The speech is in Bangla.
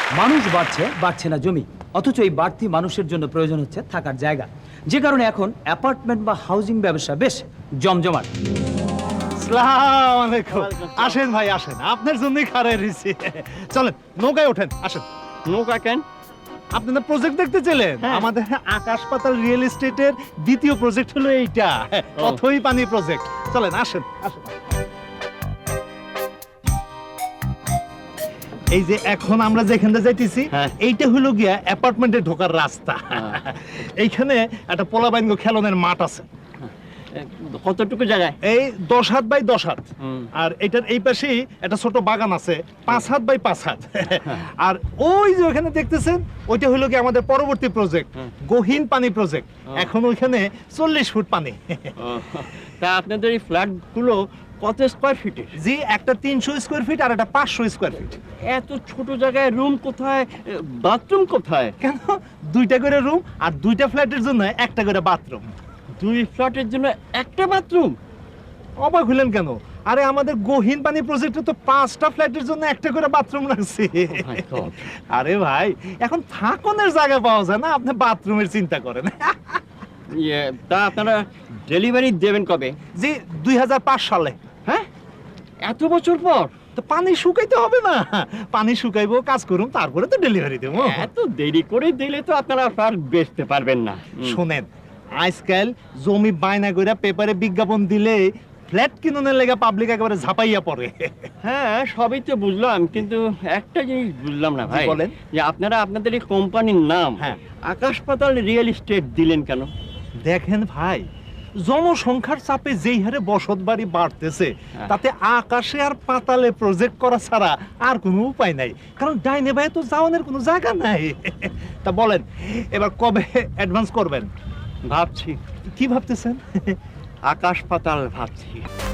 মানুষ বাড়ছে না জমি, অথচ এই বাড়তি মানুষের জন্য প্রয়োজন হচ্ছে থাকার জায়গা, যে কারণে এখন অ্যাপার্টমেন্ট বা হাউজিং ব্যবসা বেশ জমজমাট। আসসালামু আলাইকুম। আসেন ভাই আসেন, আপনার জন্যই খাড়ায় রয়েছি। চলেন নৌকায় ওঠেন, আসেন। নৌকা কেন? আপনি না প্রজেক্ট দেখতে চলেন? হ্যাঁ। আমাদের আকাশ পাতাল রিয়েল এস্টেটের দ্বিতীয় প্রজেক্ট হলো এইটা, অথই পানি প্রজেক্ট। চলেন আসেন আসেন। এই যে এখন আমরা যেখানে যাইতেছি, হ্যাঁ। এইটা হলো গিয়া অ্যাপার্টমেন্টে ঢোকার রাস্তা। এইখানে একটা পোলাবাইঙ্গ খেলনের মাঠ আছে, কতটুকু জায়গায়? এই 10 হাত বাই 10 হাত। হুম। আর এটার এই পাশেই একটা ছোট বাগান আছে 5 হাত বাই 5 হাত। আর ওই যে ওখানে দেখতেছেন, ওইটা হলো কি আমাদের পরবর্তী প্রজেক্ট, গহীন পানি প্রজেক্ট। এখন ওইখানে 40 ফুট পানি। তা আপনাদের এই ফ্ল্যাটগুলো কত স্কোয়ার ফিটের? জি, একটা 300 স্কোয়ার ফিট আর একটা 500 স্কোয়ার ফিট। এত ছোট জায়গায় রুম কোথায়, বাথরুম কোথায়? কেন, দুইটা করে রুম আর দুইটা ফ্ল্যাটের জন্য একটা করে বাথরুম। 2 ফ্ল্যাটের জন্য একটা বাথরুম? অবাক হলেন কেন? আরে আমাদের গহীন পানি প্রজেক্টে তো 5টা ফ্ল্যাটের জন্য একটা করে বাথরুম লাগছে। my God! আরে ভাই, এখন থাকনের জায়গা পাওয়া যায় না, আপনি বাথরুমের চিন্তা করেন। তা আপনারা ডেলিভারি দেবেন কবে? জি, 2005 সালে। হ্যাঁ, এত বছর পর? তো পানি শুকাইতে হবে না, পানি শুকাইবো, কাজ করুন, তারপরে তো ডেলিভারি দেবো। এত দেরি করে দিলে তো আপনারা ফ্ল্যাট বেচতে পারবেন না। শোনেন, আজকাল জমি বায়না কইরা পেপারে বিজ্ঞাপন দিলে ফ্ল্যাট কিনুনের লেগে পাবলিক একেবারে ঝাপাইয়া পড়ে। হ্যাঁ, সবই তো বুঝলাম, কিন্তু একটা জিনিস বুঝলাম না ভাই। জি, বলেন। যে আপনারা আপনাদের এই কোম্পানির নাম হ্যাঁ। আকাশ পাতাল রিয়েল এস্টেট দিলেন কেন? দেখেন ভাই, জনসংখ্যার চাপে যেই হারে বসত বাড়ি বাড়তেছে, তাতে আকাশে আর পাতালে প্রজেক্ট করা ছাড়া আর কোনো উপায় নাই। কারণ ডাইনে ভাই তো যাওয়ানোর কোনো জায়গা নাই। তা বলেন, এবার কবে অ্যাডভান্স করবেন? ভাবছি, কি ভাবতেছেন? আকাশ পাতাল ভাবছি।